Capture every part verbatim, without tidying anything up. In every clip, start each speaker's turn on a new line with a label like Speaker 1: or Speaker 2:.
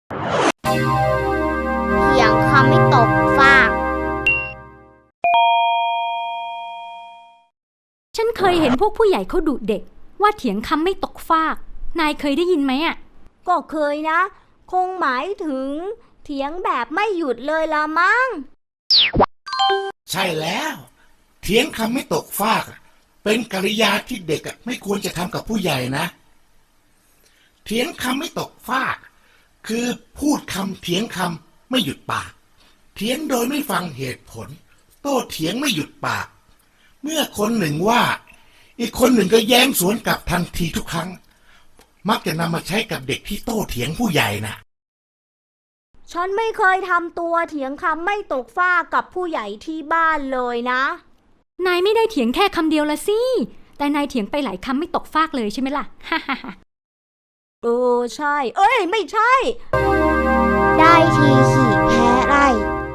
Speaker 1: เถียงคำไม่ตกฟาก
Speaker 2: ฉันเคยเห็นพวกผู้ใหญ่เขาดุเด็กว่าเถียงคำไม่ตกฟากนายเคยได้ยินไหมอ่ะ
Speaker 3: ก็เคยนะคงหมายถึงเถียงแบบไม่หยุดเลยละมั้ง
Speaker 4: ใช่แล้วเถียงคำไม่ตกฟากเป็นกริยาที่เด็กไม่ควรจะทำกับผู้ใหญ่นะเถียงคำไม่ตกฟากคือพูดคำเถียงคำไม่หยุดปากเถียงโดยไม่ฟังเหตุผลโต้เถียงไม่หยุดปากเมื่อคนหนึ่งว่าอีกคนหนึ่งก็แย้งสวนกลับทันทีทุกครั้งมักจะนำมาใช้กับเด็กที่โต้เถียงผู้ใหญ่นะ
Speaker 3: ฉันไม่เคยทำตัวเถียงคำไม่ตกฟากกับผู้ใหญ่ที่บ้านเลยนะ
Speaker 2: นายไม่ได้เถียงแค่คำเดียวละสิแต่นายเถียงไปหลายคำไม่ตกฟากเลยใช่ไหมล่ะฮ่าฮ่าฮ่า
Speaker 3: เออใช่เอ้ยไม่ใช่
Speaker 1: ได้ทีขี่แพ้ไล่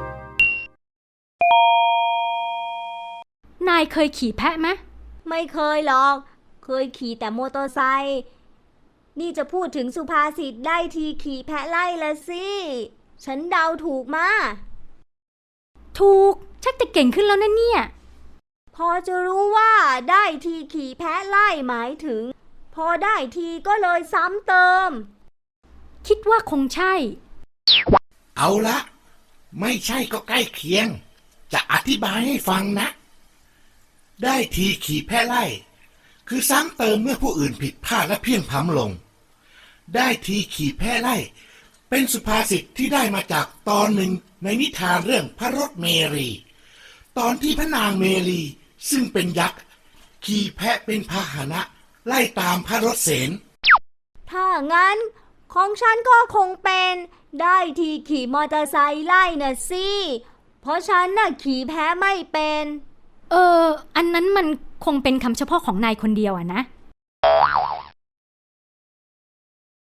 Speaker 2: นายเคยขี่แพะไหม
Speaker 3: ไม่เคยหรอกเคยขี่แต่มอเตอร์ไซค์นี่จะพูดถึงสุภาษิตได้ทีขี่แพะไล่ละสิฉันเดาถูกมา
Speaker 2: ถูกชักจะเก่งขึ้นแล้วนะเนี่ย
Speaker 3: พอจะรู้ว่าได้ทีขี่แพะไล่หมายถึงพอได้ทีก็เลยซ้ำเติม
Speaker 2: คิดว่าคงใช่
Speaker 4: เอาละไม่ใช่ก็ใกล้เคียงจะอธิบายให้ฟังนะได้ทีขี่แพะไล่คือซ้ำเติมเมื่อผู้อื่นผิดพลาดและเพี้ยงพล้ำลงได้ทีขี่แพะไล่เป็นสุภาษิตที่ได้มาจากตอนหนึ่งในนิทานเรื่องพระรถเมรีตอนที่พระนางเมรีซึ่งเป็นยักษ์ขี่แพะเป็นพาหนะไล่ตามพระรถเสน
Speaker 3: ถ้างั้นของฉันก็คงเป็นได้ทีขี่มอเตอร์ไซค์ไล่น่ะสิเพราะฉันน่ะขี่แพะไม่เป็น
Speaker 2: เอออันนั้นมันคงเป็นคำเฉพาะของนายคนเดียวอะนะ